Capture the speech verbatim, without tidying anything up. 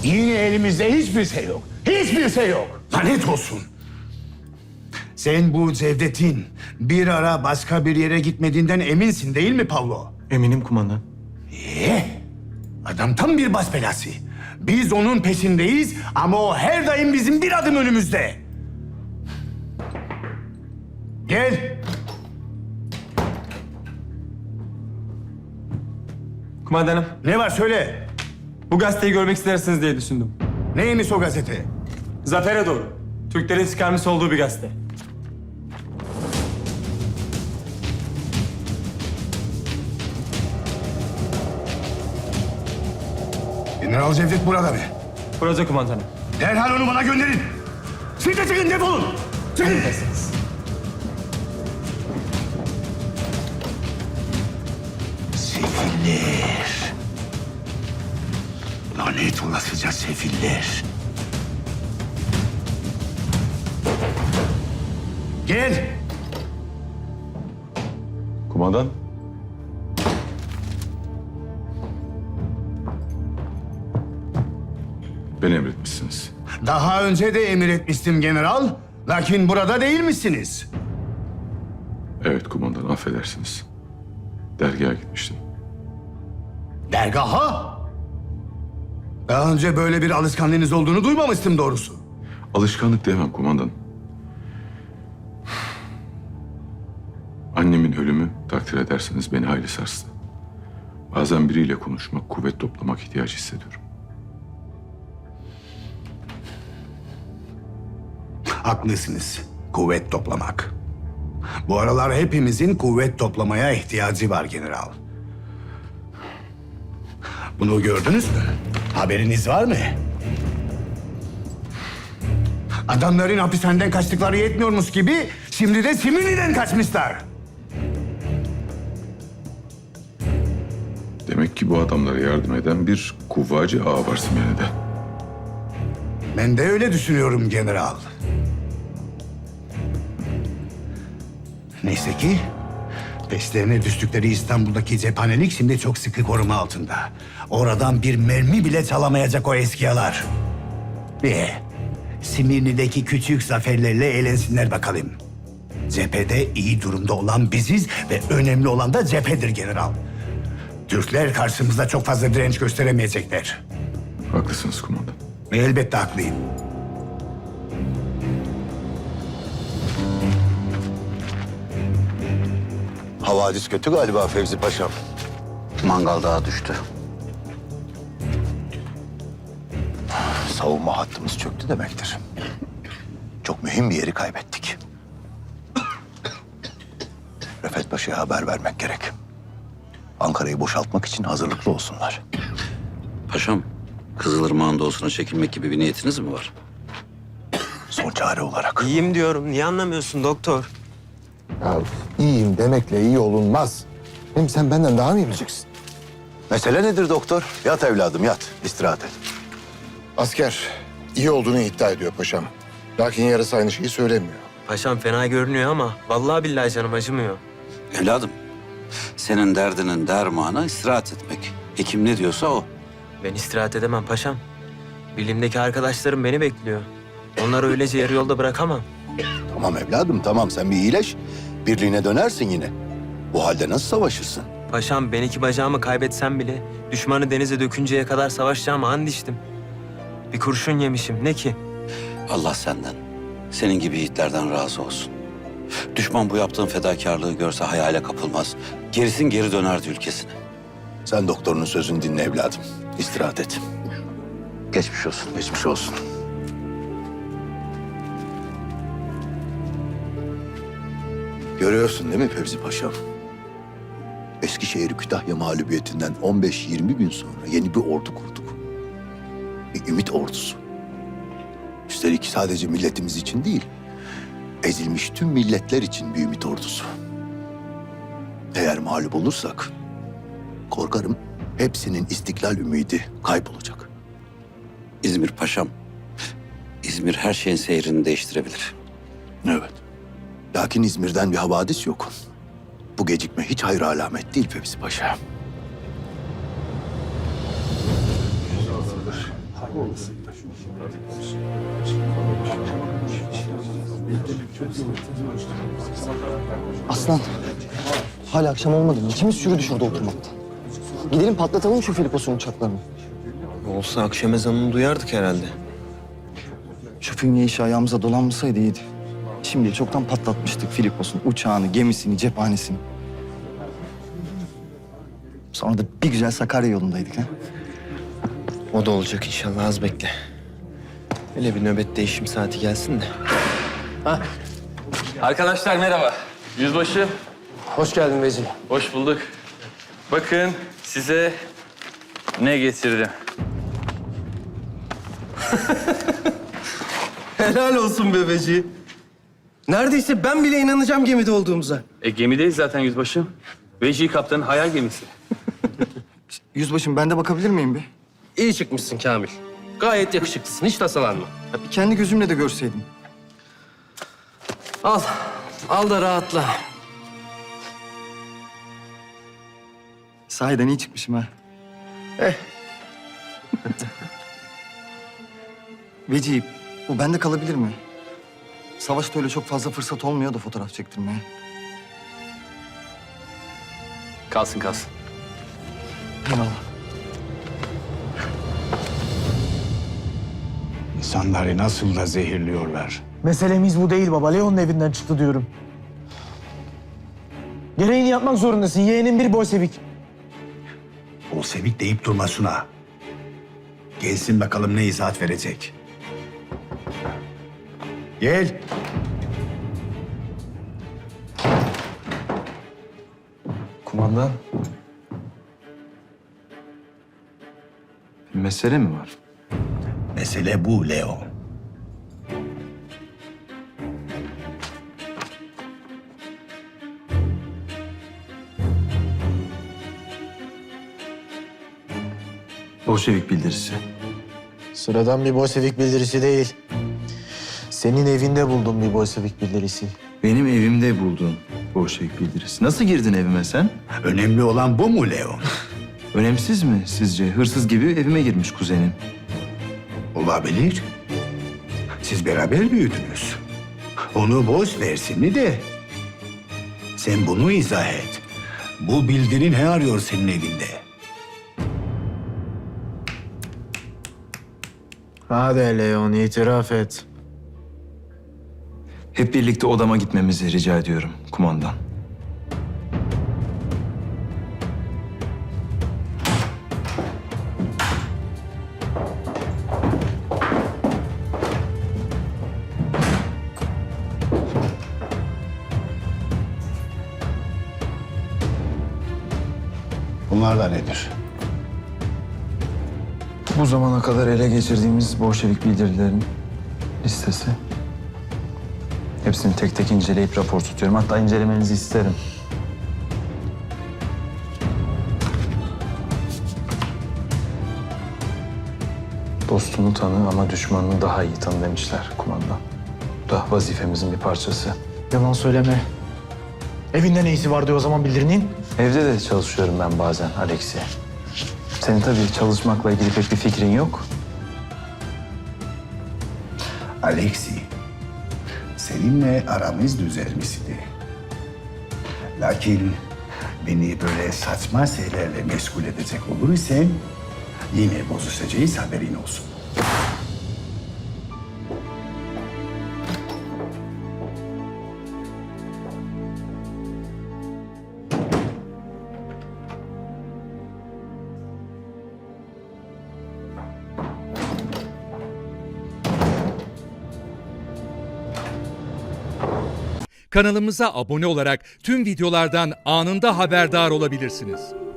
Yine elimizde hiçbir şey yok. Hiçbir şey yok. Lanet olsun. Sen bu Cevdet'in bir ara başka bir yere gitmediğinden eminsin değil mi Pavlo? Eminim kumandan. Ee, adam tam bir baş belası. Biz onun peşindeyiz ama o her daim bizim bir adım önümüzde. Gel. Kumandanım, Ne var söyle. bu gazeteyi görmek istersiniz diye düşündüm. Neymiş o gazete? Zafer'e doğru. Türklerin çıkarmış olduğu bir gazete. General Cevdet burada mı? Proje kumandanım. Derhal onu bana gönderin. Siz de çıkın, defolun. Çıkın. Sefiller. Lanet olasıca sefiller. Gel. Kumandan. Beni emretmişsiniz. Daha önce de emir etmiştim general. Lakin burada değil misiniz? Evet kumandan, affedersiniz. Dergaha gitmiştim. Dergaha? Daha önce böyle bir alışkanlığınız olduğunu duymamıştım doğrusu. Alışkanlık demem kumandan. Annemin ölümü takdir ederseniz beni hayli sarstı. Bazen biriyle konuşmak, kuvvet toplamak ihtiyacı hissediyorum. Haklısınız. Kuvvet toplamak. Bu aralar hepimizin kuvvet toplamaya ihtiyacı var general. Bunu gördünüz mü? Haberiniz var mı? Adamların hapishaneden kaçtıkları yetmiyormuş gibi şimdi de Simini'den kaçmışlar. Demek ki bu adamlara yardım eden bir kuvvacı ağa var Simyani'de. Ben de öyle düşünüyorum general. Neyse ki peşlerine düştükleri İstanbul'daki cephanelik şimdi çok sıkı koruma altında. Oradan bir mermi bile çalamayacak o eskiyalar. Ve Simirni'deki küçük zaferlerle eğlensinler bakalım. Cephede iyi durumda olan biziz ve önemli olan da cephedir general. Türkler karşımızda çok fazla direnç gösteremeyecekler. Haklısınız kumandan. Ve elbette haklıyım. Havadis kötü galiba Fevzi Paşam. Mangal dağı düştü. Savunma hattımız çöktü demektir. Çok mühim bir yeri kaybettik. Refet Paşa'ya haber vermek gerek. Ankara'yı boşaltmak için hazırlıklı olsunlar. Paşam, Kızılırmak'ın doğusuna çekilmek gibi bir niyetiniz mi var? Son çare olarak. İyiyim diyorum. Niye anlamıyorsun doktor? Ya iyiyim demekle iyi olunmaz. Hem sen benden daha mı iyi bileceksin? Mesele nedir doktor? Yat evladım yat. İstirahat et. Asker iyi olduğunu iddia ediyor paşam. Lakin yarısı aynı şeyi söylemiyor. Paşam fena görünüyor ama vallahi billahi canım acımıyor. Evladım, senin derdinin dermanı istirahat etmek. Hekim ne diyorsa o. Ben istirahat edemem paşam. Bilimdeki arkadaşlarım beni bekliyor. Onları öylece yarı yolda bırakamam. Tamam evladım tamam sen bir iyileş. Birliğine dönersin yine. Bu halde nasıl savaşırsın? Paşam ben iki bacağımı kaybetsem bile düşmanı denize dökünceye kadar savaşacağıma and içtim. Bir kurşun yemişim ne ki? Allah senden, senin gibi yiğitlerden razı olsun. Düşman bu yaptığın fedakarlığı görse hayale kapılmaz. Gerisin geri dönerdi ülkesine. Sen doktorunun sözünü dinle evladım. İstirahat et. Geçmiş olsun. Geçmiş olsun. Görüyorsun değil mi Fevzi Paşam? Eskişehir Kütahya mağlubiyetinden on beş yirmi gün sonra yeni bir ordu kurduk. Bir ümit ordusu. Üstelik sadece milletimiz için değil, ezilmiş tüm milletler için bir ümit ordusu. Eğer mağlup olursak, korkarım hepsinin istiklal ümidi kaybolacak. İzmir paşam, İzmir her şeyin seyrini değiştirebilir. Evet. Lakin İzmir'den bir havadis yok. Bu gecikme hiç hayır alamet değil Fevzi Paşa. Aslan, hala akşam olmadı mı? İkimiz çürüdü şurada oturmaktan. Gidelim patlatalım şu Filipos'un uçaklarını. Olsa akşam ezanını duyardık herhalde. Şu fünye işi ayağımıza dolanmasaydı iyiydi. Şimdi çoktan patlatmıştık Filipos'un uçağını, gemisini, cephanesini. Sonra da bir güzel Sakarya yolundaydık ha. O da olacak inşallah, az bekle. Hele bir nöbet değişim saati gelsin de. Arkadaşlar merhaba. Yüzbaşı. Hoş geldin Veci. Hoş bulduk. Bakın size ne getirdim. Helal olsun bebeci. Neredeyse ben bile inanacağım gemide olduğumuza. E gemideyiz zaten yüzbaşım. Veci kaptanın hayal gemisi. Yüzbaşım ben de bakabilir miyim bir? İyi çıkmışsın Kamil. Gayet yakışıklısın. Hiç tasalanma. Ya bir kendi gözümle de görseydim. Al. Al da rahatla. Sahiden iyi çıkmışım ha. Eh. Veci, bu bende kalabilir mi? Savaşta öyle çok fazla fırsat olmuyor da fotoğraf çektirmeye. Kalsın kalsın. Eyvallah. İnsanları nasıl da zehirliyorlar. Meselemiz bu değil baba. Leon'un evinden çıktı diyorum. Gereğini yapmak zorundasın. Yeğenin bir Bolşevik. Bolşevik deyip durma Suna. Gelsin bakalım ne izahat verecek. Gel. Kumandan. Bir mesele mi var? Mesele bu Leo. Bolşevik bildirisi. Sıradan bir Bolşevik bildirisi değil. Senin evinde buldum bir Bolşevik bildirisi. Benim evimde buldun Bolşevik bildirisi. Nasıl girdin evime sen? Önemli olan bu mu Leo? Önemsiz mi sizce? Hırsız gibi evime girmiş kuzenim. Olabilir. Siz beraber büyüdünüz. Onu boş versin de. Sen bunu izah et. Bu bildirin ne arıyor senin evinde? Hadi Leon, itiraf et. Hep birlikte odama gitmemizi rica ediyorum kumandan. Bunlar da nedir? Bu zamana kadar ele geçirdiğimiz Bolşevik bildirilerin listesi. Hepsini tek tek inceleyip rapor tutuyorum. Hatta incelemenizi isterim. Dostunu tanı ama düşmanını daha iyi tanı demişler kumandan. Bu da vazifemizin bir parçası. Yalan söyleme. Evinde neyisi vardı o zaman bildirinin? Evde de çalışıyorum ben bazen Alexi. Senin tabii çalışmakla ilgili pek bir fikrin yok. Alexi, seninle aramız düzelmişti. Lakin beni böyle saçma şeylerle meşgul edecek olursan yine bozuşacağız, haberin olsun. Kanalımıza abone olarak tüm videolardan anında haberdar olabilirsiniz.